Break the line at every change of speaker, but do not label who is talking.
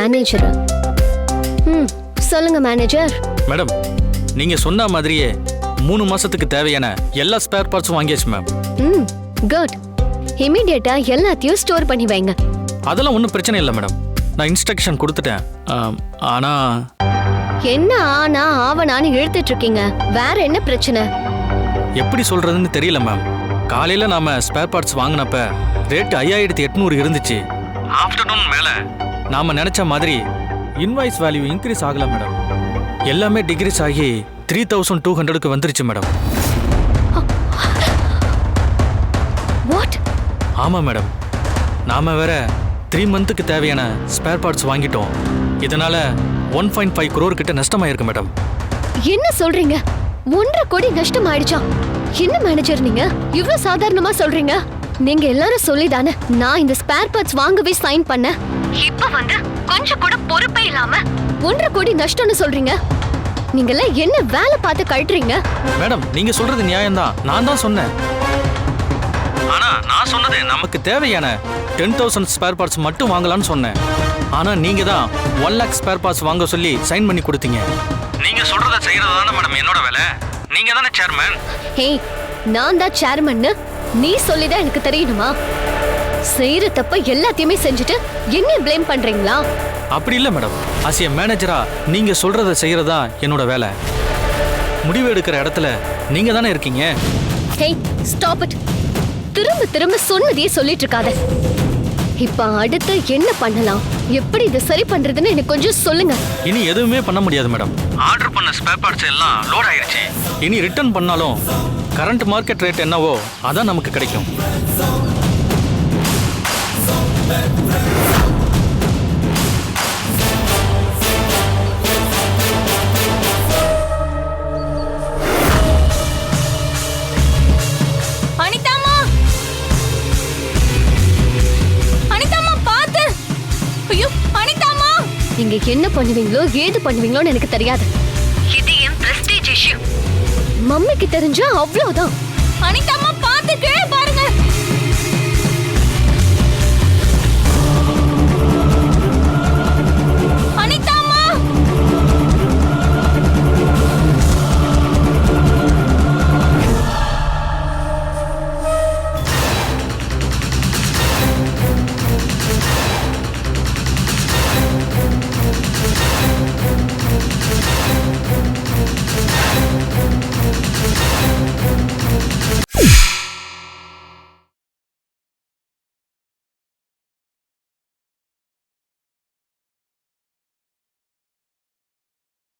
Manager. சொல்லுங்க manager.
Madam, நீங்க சொன்ன மாதிரியே 3 மாசத்துக்கு தேவையான எல்லா ஸ்பேர் பார்ட்ஸும் வாங்கியாச்சு மேம்.
குட். இமிடியேட்டா எல்லாத்தையும் ஸ்டோர் பண்ணி வைங்க.
அதெல்லாம் ஒன்றும் பிரச்சனை இல்லை மேடம். நான் இன்ஸ்ட்ரக்ஷன் கொடுத்துட்டேன். ஆனா
என்ன ஆனா ஆவனான்னு இழுத்துட்டு இருக்கீங்க? வேற என்ன பிரச்சனை?
எப்படி சொல்றதுன்னு தெரியல மேம். காலையில நாம ஸ்பேர் பார்ட்ஸ் வாங்கினப்ப ரேட் 5800 இருந்துச்சு. ஆஃப்டர்நூன் மேல நாம நினைச்ச மாதிரி இன்வாய்ஸ் வேல்யூ இன்க்ரீஸ் ஆகல மேடம். எல்லாமே டிக்ரீஸ் ஆகி 3200க்கு வந்துருச்சு மேடம்.
வாட்?
ஆமா மேடம். நாம வேற 3 மந்த்துக்கு தேவையான ஸ்பேர் பார்ட்ஸ் வாங்கிட்டோம். இதனால 1.5 crore கிட்ட நஷ்டமாயிருக்கு மேடம்.
என்ன சொல்றீங்க? 1.5 கோடி நஷ்டம் ஆயிடுச்சா? என்ன மேனேஜர் நீங்க இவ்ளோ சாதாரணமா சொல்றீங்க? நீங்க எல்லாரும் சொல்லிதானே நான் இந்த ஸ்பேர் பார்ட்ஸ் வாங்கவே சைன் பண்ணேன். இப்ப வந்து கொஞ்சம் கூட பொறுப்பே இல்லாம 1.5 கோடி நஷ்டம்னு சொல்றீங்க. நீங்கெல்லாம் என்ன வேலை பார்த்து கழட்டுறீங்க?
மேடம், நீங்க சொல்றது நியாயம்தான். நான் தான் சொன்னேன். ஆனா நான் சொன்னது நமக்கு தேவையான 10,000 ஸ்பேர் பார்ட்ஸ் மட்டும் வாங்கலாம்னு சொன்னேன். ஆனா நீங்க தான் 1 lakh ஸ்பேர் பார்ட்ஸ் வாங்க சொல்லி சைன் பண்ணி கொடுத்தீங்க. நீங்க சொல்றத செய்யறது தானே மேடம் என்னோட வேலை. நீங்க தானே சேர்மன்.
ஹே, நான் தான் சேர்மன்னு நீ சொல்லிதான் எனக்கு தெரியணுமா? செய்யற தப்ப எல்லாத்தையுமே செஞ்சுட்டு என்ன ப்ளேம் பண்றீங்களா?
அப்படி இல்ல மேடம். ஆஸ் எ மேனேஜரா நீங்க சொல்றத செய்யறதா என்னோட வேலை. முடிவு எடுக்கிற இடத்துல நீங்க தானே இருக்கீங்க.
Hey, stop it. திரும்ப திரும்ப சொன்னதையே சொல்லிட்டு இருக்காத. இப்ப அடுத்து என்ன பண்ணலாம்? எப்படி இதை சரி பண்றதுன்னு எனக்கு கொஞ்சம் சொல்லுங்க.
இனி எதுவுமே பண்ண முடியாது மேடம். ஆர்டர் பண்ண ஸ்பேர் பார்ட்ஸ் எல்லாம் லோட் ஆயிருச்சு. இனி ரிட்டர்ன் பண்ணாலும் கரண்ட் மார்க்கெட் ரேட் என்னவோ அதான் நமக்கு கிடைக்கும்.
அனிதாமா, அனிதாமா பாத்து. ஐயோ அனிதாமா,
நீங்க என்ன பண்ணுவீங்களோ ஏது பண்ணுவீங்களோன்னு எனக்கு தெரியாது. இது என் பிரஸ்டீஜ் இஷ்யூ. மம்மிக்கு தெரிஞ்சா அவ்வளவுதான்.
அனிதாமா